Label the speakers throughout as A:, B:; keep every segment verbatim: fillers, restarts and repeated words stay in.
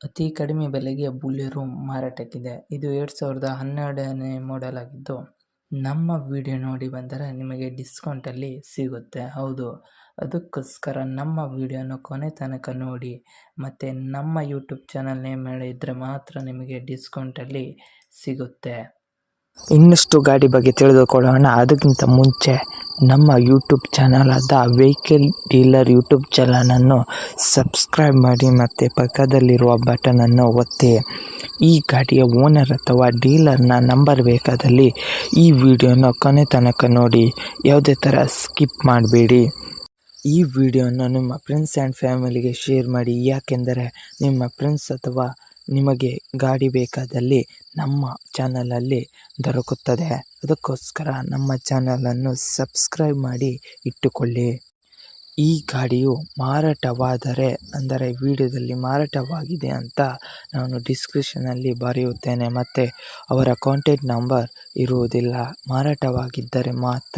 A: ಅತಿ ಕಡಿಮೆ ಬೆಲೆಗೆ ಬುಲೆರೋ ಮಾರಾಟಕ್ಕಿದೆ. ಇದು ಎರಡು ಸಾವಿರದ ಹನ್ನೆರಡನೇ ಮಾಡೆಲ್ ಆಗಿದ್ದು, ನಮ್ಮ ವಿಡಿಯೋ ನೋಡಿ ಬಂದರೆ ನಿಮಗೆ ಡಿಸ್ಕೌಂಟಲ್ಲಿ ಸಿಗುತ್ತೆ. ಹೌದು, ಅದಕ್ಕೋಸ್ಕರ ನಮ್ಮ ವಿಡಿಯೋನ ಕೊನೆ ತನಕ ನೋಡಿ ಮತ್ತು ನಮ್ಮ ಯೂಟ್ಯೂಬ್ ಚಾನಲ್ ನೇಮ್ ಹೇಳಿದರೆ ಮಾತ್ರ ನಿಮಗೆ ಡಿಸ್ಕೌಂಟಲ್ಲಿ ಸಿಗುತ್ತೆ.
B: ಇನ್ನಷ್ಟು ಗಾಡಿ ಬಗ್ಗೆ ತಿಳಿದುಕೊಳ್ಳೋಣ. ಅದಕ್ಕಿಂತ ಮುಂಚೆ ನಮ್ಮ ಯೂಟ್ಯೂಬ್ ಚಾನಲ್ ಆದ ವೆಹಿಕಲ್ ಡೀಲರ್ ಯೂಟ್ಯೂಬ್ ಚಾನಲನ್ನು ಸಬ್ಸ್ಕ್ರೈಬ್ ಮಾಡಿ ಮತ್ತು ಪಕ್ಕದಲ್ಲಿರುವ ಬಟನನ್ನು ಒತ್ತಿ. ಈ ಗಾಡಿಯ ಓನರ್ ಅಥವಾ ಡೀಲರ್ನ ನಂಬರ್ ಬೇಕಾದಲ್ಲಿ ಈ ವಿಡಿಯೋನ ಕೊನೆ ತನಕ ನೋಡಿ, ಯಾವುದೇ ಥರ ಸ್ಕಿಪ್ ಮಾಡಬೇಡಿ. ಈ ವಿಡಿಯೋನ ನಿಮ್ಮ ಫ್ರೆಂಡ್ಸ್ ಆ್ಯಂಡ್ ಫ್ಯಾಮಿಲಿಗೆ ಶೇರ್ ಮಾಡಿ, ಯಾಕೆಂದರೆ ನಿಮ್ಮ ಫ್ರೆಂಡ್ಸ್ ಅಥವಾ ನಿಮಗೆ ಗಾಡಿ ಬೇಕಾದಲ್ಲಿ ನಮ್ಮ ಚಾನಲಲ್ಲಿ ದೊರಕುತ್ತದೆ. ಅದಕ್ಕೋಸ್ಕರ ನಮ್ಮ ಚಾನಲನ್ನು ಸಬ್ಸ್ಕ್ರೈಬ್ ಮಾಡಿ ಇಟ್ಟುಕೊಳ್ಳಿ. ಈ ಗಾಡಿಯು ಮಾರಾಟವಾದರೆ, ಅಂದರೆ ವಿಡಿಯೋದಲ್ಲಿ ಮಾರಾಟವಾಗಿದೆ ಅಂತ ನಾನು ಡಿಸ್ಕ್ರಿಪ್ಷನಲ್ಲಿ ಬರೆಯುತ್ತೇನೆ ಮತ್ತು ಅವರ ಕಾಂಟ್ಯಾಕ್ಟ್ ನಂಬರ್ ಇರುವುದಿಲ್ಲ. ಮಾರಾಟವಾಗಿದ್ದರೆ ಮಾತ್ರ.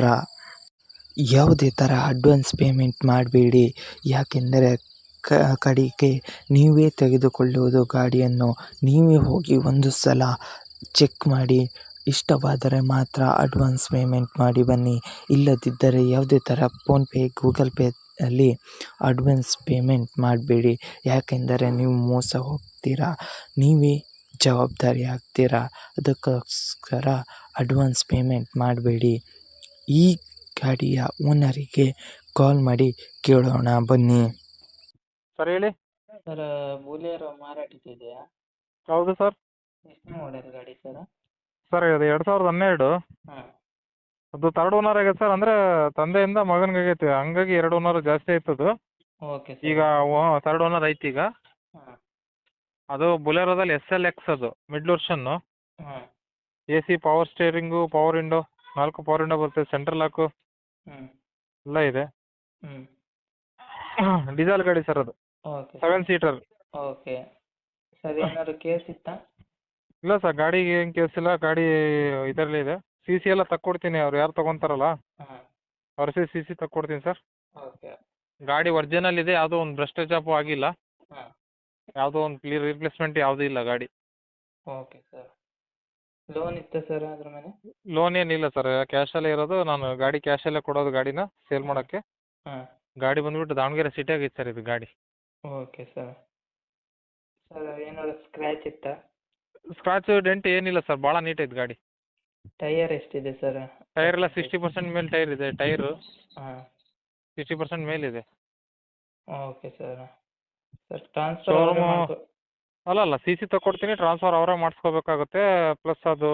B: ಯಾವುದೇ ಥರ ಅಡ್ವಾನ್ಸ್ ಪೇಮೆಂಟ್ ಮಾಡಬೇಡಿ, ಯಾಕೆಂದರೆ ಕ ಕಡೆಗೆ ನೀವೇ ತೆಗೆದುಕೊಳ್ಳುವುದು ಗಾಡಿಯನ್ನು. ನೀವೇ ಹೋಗಿ ಒಂದು ಸಲ ಚೆಕ್ ಮಾಡಿ, ಇಷ್ಟವಾದರೆ ಮಾತ್ರ ಅಡ್ವಾನ್ಸ್ ಪೇಮೆಂಟ್ ಮಾಡಿ ಬನ್ನಿ. ಇಲ್ಲದಿದ್ದರೆ ಯಾವುದೇ ಥರ ಫೋನ್ಪೇ, ಗೂಗಲ್ ಪೇ ಅಲ್ಲಿ ಅಡ್ವಾನ್ಸ್ ಪೇಮೆಂಟ್ ಮಾಡಬೇಡಿ, ಯಾಕೆಂದರೆ ನೀವು ಮೋಸ ಹೋಗ್ತೀರಾ, ನೀವೇ ಜವಾಬ್ದಾರಿ ಆಗ್ತೀರಾ. ಅದಕ್ಕೋಸ್ಕರ ಅಡ್ವಾನ್ಸ್ ಪೇಮೆಂಟ್ ಮಾಡಬೇಡಿ. ಈ ಗಾಡಿಯ ಓನರಿಗೆ ಕಾಲ್ ಮಾಡಿ ಕೇಳೋಣ ಬನ್ನಿ.
C: ಸರ್ ಹೇಳಿ.
A: ಸರ್, ಬುಲೆರೋ ಮಾರಾಟಕ್ಕಿದೆಯಾ?
C: ಹೌದು ಸರ್.
A: ಎಷ್ಟು ಮಾಡೆಲ್ ಗಾಡಿ ಸರ್?
C: ಸರ್ ಇದು ಎರಡು ಸಾವಿರದ ಹನ್ನೆರಡು.
A: ಹಾಂ.
C: ಅದು ತರ್ಡ್ ಓನರ್ ಆಗೈತೆ ಸರ್. ಅಂದರೆ ತಂದೆಯಿಂದ ಮಗನಿಗೆ ಆಗೈತೆ, ಹಂಗಾಗಿ ಎರಡು ಓನರ್ ಜಾಸ್ತಿ ಆಯ್ತದು.
A: Okay sir.
C: ಈಗ ತರ್ಡ್ ಓನರ್ ಐತಿ ಈಗ.
A: ಹಾಂ.
C: ಅದು ಬುಲೆರೋದಲ್ಲಿ ಎಸ್ ಎಲ್ ಎಕ್ಸ್, ಅದು ಮಿಡ್ ವರ್ಷನ್ನು.
A: ಹಾಂ.
C: A C, power steering, power window, ನಾಲ್ಕು ಪವರ್ ವಿಂಡೋ ಬರುತ್ತೆ, ಸೆಂಟ್ರಲ್ ಲಾಕು
A: ಹ್ಞೂ
C: ಎಲ್ಲ ಇದೆ.
A: ಹ್ಞೂ
C: ಡೀಸೆಲ್ ಗಾಡಿ ಸರ್ ಅದು,
A: okay
C: seven seater.
A: Okay sir. ಏನಾದ್ರು ಕೇಸ್ ಇತ್ತಾ?
C: ಇಲ್ಲ ಸರ್, ಗಾಡಿಗೆ ಏನು ಕೇಸ್ ಇಲ್ಲ, ಗಾಡಿ ಇದರಲ್ಲೇ ಇದೆ. ಸಿ ಸಿ ಎಲ್ಲ ತಕ್ಕೊಡ್ತೀನಿ, ಅವ್ರು ಯಾರು ತೊಗೊತಾರಲ್ಲ
A: ಹಾಂ.
C: ಅವ್ರ ಸಿ ಸಿ ಸಿ ತಕ್ಕೊಡ್ತೀನಿ ಸರ್.
A: ಓಕೆ.
C: ಗಾಡಿ ಒರಿಜಿನಲ್ ಇದೆ, ಯಾವುದೋ ಒಂದು ಬ್ರಸ್ಟೇಜ್ ಅಪ್ಪು ಆಗಿಲ್ಲ,
A: ಹಾಂ.
C: ಯಾವುದೋ ಒಂದು ಕ್ಲಿಯರ್ ರಿಪ್ಲೇಸ್ಮೆಂಟ್ ಯಾವುದೂ ಇಲ್ಲ ಗಾಡಿ.
A: Okay sir. ಲೋನ್ ಇತ್ತಾ ಸರ್ ಅದ್ರ ಮೇಲೆ?
C: ಲೋನ್ ಏನಿಲ್ಲ ಸರ್, ಕ್ಯಾಶಲ್ಲೇ ಇರೋದು. ನಾನು ಗಾಡಿ ಕ್ಯಾಶಲ್ಲೇ ಕೊಡೋದು ಗಾಡಿನ ಸೇಲ್ ಮಾಡೋಕ್ಕೆ.
A: ಹಾಂ.
C: ಗಾಡಿ ಬಂದುಬಿಟ್ಟು ದಾವಣಗೆರೆ ಸಿಟಿಯಾಗ ಐತೆ ಸರ್ ಇದು ಗಾಡಿ.
A: Okay sir. ಸರ್ ಏನಾದ್ರು ಸ್ಕ್ರ್ಯಾಚ್ ಇತ್ತಾ?
C: ಸ್ಕ್ರಾಚ್ ಡೆಂಟ್ ಏನಿಲ್ಲ ಸರ್, ಭಾಳ ನೀಟ್ ಐತೆ ಗಾಡಿ.
A: ಟೈಯರ್ ಎಷ್ಟಿದೆ ಸರ್?
C: ಟೈರ್ ಎಲ್ಲ ಸಿಕ್ಸ್ಟಿ ಪರ್ಸೆಂಟ್ ಮೇಲೆ ಟೈರ್ ಇದೆ. ಟೈರು
A: ಹಾಂ.
C: ಸಿಕ್ಸ್ಟಿ ಪರ್ಸೆಂಟ್ ಮೇಲಿದೆ.
A: Okay sir. Sir transfer
C: showroom ಅಲ್ಲ ಅಲ್ಲ ಸಿ ಸಿ ತಗೊಡ್ತೀನಿ, ಟ್ರಾನ್ಸ್ಫರ್ ಅವರೇ ಮಾಡಿಸ್ಕೋಬೇಕಾಗುತ್ತೆ. ಪ್ಲಸ್ ಅದು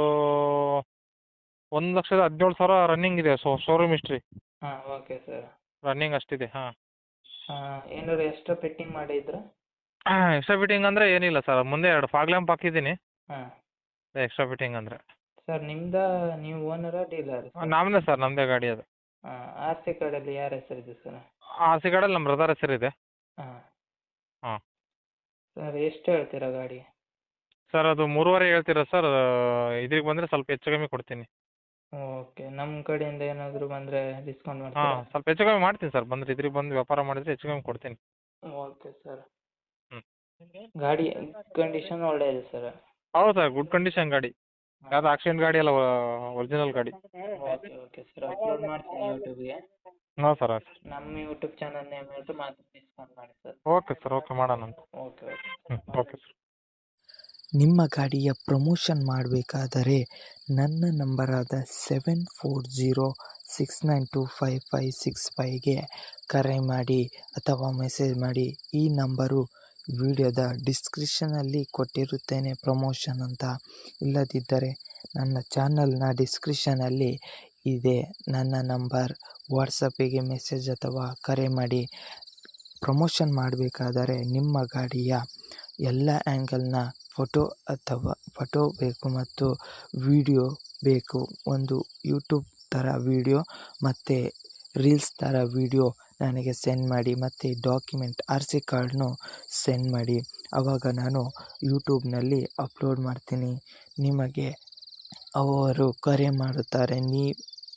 C: ಒಂದು ಲಕ್ಷದ ಹದಿನೇಳು ಸಾವಿರ ರನ್ನಿಂಗ್ ಇದೆ. ಸೊ ಶೋರೂಮ್ ಹಿಸ್ಟ್ರಿ
A: ಹಾಂ. Okay sir.
C: ರನ್ನಿಂಗ್ ಅಷ್ಟಿದೆ. ಹಾಂ.
A: ಹಾಂ. ಏನಾದ್ರು ಎಕ್ಸ್ಟ್ರಾ ಫಿಟ್ಟಿಂಗ್ ಮಾಡಿದ್ರಾ?
C: ಎಕ್ಸ್ಟ್ರಾ ಫಿಟ್ಟಿಂಗ್ ಅಂದರೆ ಏನಿಲ್ಲ ಸರ್, ಮುಂದೆ ಎರಡು ಫಾಗ್ ಲ್ಯಾಂಪ್ ಹಾಕಿದ್ದೀನಿ.
A: ಹಾಂ.
C: ಎಕ್ಸ್ಟ್ರಾ ಫಿಟ್ಟಿಂಗ್ ಅಂದರೆ
A: ಸರ್ ನಿಮ್ದಾ, ನೀವು ಓನರಾ ಡೀಲರ್?
C: ನಮ್ಮದೇ ಸರ್, ನಮ್ಮದೇ ಗಾಡಿ ಅದು.
A: ಹಾಂ. ಆರ್ ಸಿ ಕಾರ್ಡಲ್ಲಿ ಯಾರ ಹೆಸರಿದೆ ಸರ್?
C: ಆರ್ ಸಿ ಕಾರ್ಡಲ್ಲಿ ನಮ್ಮ ಬ್ರದರ್ ಹೆಸರಿದೆ.
A: ಹಾಂ.
C: ಹಾಂ.
A: ಸರ್ ಎಷ್ಟು ಹೇಳ್ತೀರಾ ಗಾಡಿ?
C: ಸರ್ ಅದು ಮೂರುವರೆ ಹೇಳ್ತೀರಾ ಸರ್, ಇದ್ರಿಗೆ ಬಂದರೆ ಸ್ವಲ್ಪ ಹೆಚ್ಚು ಕಮ್ಮಿ ಕೊಡ್ತೀನಿ.
A: ಓಕೆ. ನಮ್ಮ ಕಡೆಯಿಂದ ಏನಾದರೂ ಬಂದರೆ ಡಿಸ್ಕೌಂಟ್
C: ಹಾಂ,
A: ಮಾಡ್ತೀರಾ?
C: ಸ್ವಲ್ಪ ಹೆಚ್ಚು ಕಮ್ಮಿ ಮಾಡ್ತೀನಿ ಸರ್, ಬಂದರೆ ಇದ್ರಿಗೆ ಬಂದು ವ್ಯಾಪಾರ ಮಾಡಿದರೆ ಹೆಚ್ಚು ಕಮ್ಮಿ ಕೊಡ್ತೀನಿ.
A: Okay sir.
C: ಹ್ಞೂ.
A: ಗಾಡಿ ಕಂಡೀಷನ್ ಒಳ್ಳೆ ಇದೆ ಸರ್?
C: ಹೌದು ಸರ್, ಗುಡ್ ಕಂಡೀಷನ್ ಗಾಡಿ, ಯಾವುದು ಆಕ್ಸಿಡೆಂಟ್ ಗಾಡಿ ಅಲ್ಲ, ಒರಿಜಿನಲ್ ಗಾಡಿ.
A: Okay okay sir. ಅಪ್ಲೋಡ್ ಮಾಡ್ತೀನಿ ಯೂಟ್ಯೂಬ್ಗೆ.
C: ಹಾಂ ಸರ್. ಆಯ್ತು.
A: ನಮ್ಮ ಯೂಟ್ಯೂಬ್ ಚಾನಲ್ ನೇಮ್ ಹೇಳ್ತು ಮಾತ್ರ ಡಿಸ್ಕೌಂಟ್ ಮಾಡಿ ಸರ್.
C: ಓಕೆ ಸರ್, ಓಕೆ ಮಾಡೋಣ ಅಂತ.
A: Okay okay.
C: ಹ್ಞೂ, ಓಕೆ ಸರ್.
B: ನಿಮ್ಮ ಗಾಡಿಯ ಪ್ರಮೋಷನ್ ಮಾಡಬೇಕಾದರೆ ನನ್ನ ನಂಬರಾದ seven four zero six nine two five five six ಫೈವ್ಗೆ ಕರೆ ಮಾಡಿ ಅಥವಾ ಮೆಸೇಜ್ ಮಾಡಿ. ಈ ನಂಬರು ವಿಡಿಯೋದ ಡಿಸ್ಕ್ರಿಪ್ಷನಲ್ಲಿ ಕೊಟ್ಟಿರುತ್ತೇನೆ ಪ್ರಮೋಷನ್ ಅಂತ. ಇಲ್ಲದಿದ್ದರೆ ನನ್ನ ಚಾನಲ್ನ ಡಿಸ್ಕ್ರಿಪ್ಷನಲ್ಲಿ ಇದೆ ನನ್ನ ನಂಬರ್. ವಾಟ್ಸಪ್ಪಿಗೆ ಮೆಸೇಜ್ ಅಥವಾ ಕರೆ ಮಾಡಿ. ಪ್ರಮೋಷನ್ ಮಾಡಬೇಕಾದರೆ ನಿಮ್ಮ ಗಾಡಿಯ ಎಲ್ಲ ಆ್ಯಂಗಲ್ನ ಫೋಟೋ ಅಥವಾ ಫೋಟೋ ಬೇಕು ಮತ್ತು ವಿಡಿಯೋ ಬೇಕು. ಒಂದು ಯೂಟ್ಯೂಬ್ ಥರ ವಿಡಿಯೋ ಮತ್ತು ರೀಲ್ಸ್ ಥರ ವಿಡಿಯೋ ನನಗೆ ಸೆಂಡ್ ಮಾಡಿ ಮತ್ತು ಡಾಕ್ಯುಮೆಂಟ್ ಆರ್ ಸಿ ಕಾರ್ಡ್ನು ಸೆಂಡ್ ಮಾಡಿ. ಆವಾಗ ನಾನು ಯೂಟ್ಯೂಬ್ನಲ್ಲಿ ಅಪ್ಲೋಡ್ ಮಾಡ್ತೀನಿ. ನಿಮಗೆ ಅವರು ಕರೆ ಮಾಡುತ್ತಾರೆ. ನೀ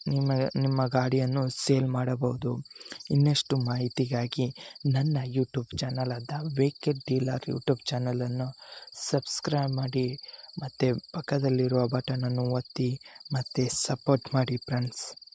B: ನಿಮ್ಮ ನಿಮ್ಮ ಗಾಡಿಯನ್ನು ಸೇಲ್ ಮಾಡಬಹುದು. ಇನ್ನಷ್ಟು ಮಾಹಿತಿಗಾಗಿ ನನ್ನ ಯೂಟ್ಯೂಬ್ ಚಾನಲ್ ಆದ ವೆಹಿಕಲ್ ಡೀಲರ್ ಯೂಟ್ಯೂಬ್ ಚಾನಲನ್ನು ಸಬ್ಸ್ಕ್ರೈಬ್ ಮಾಡಿ ಮತ್ತು ಪಕ್ಕದಲ್ಲಿರುವ ಬಟನನ್ನು ಒತ್ತಿ ಮತ್ತು ಸಪೋರ್ಟ್ ಮಾಡಿ ಫ್ರೆಂಡ್ಸ್.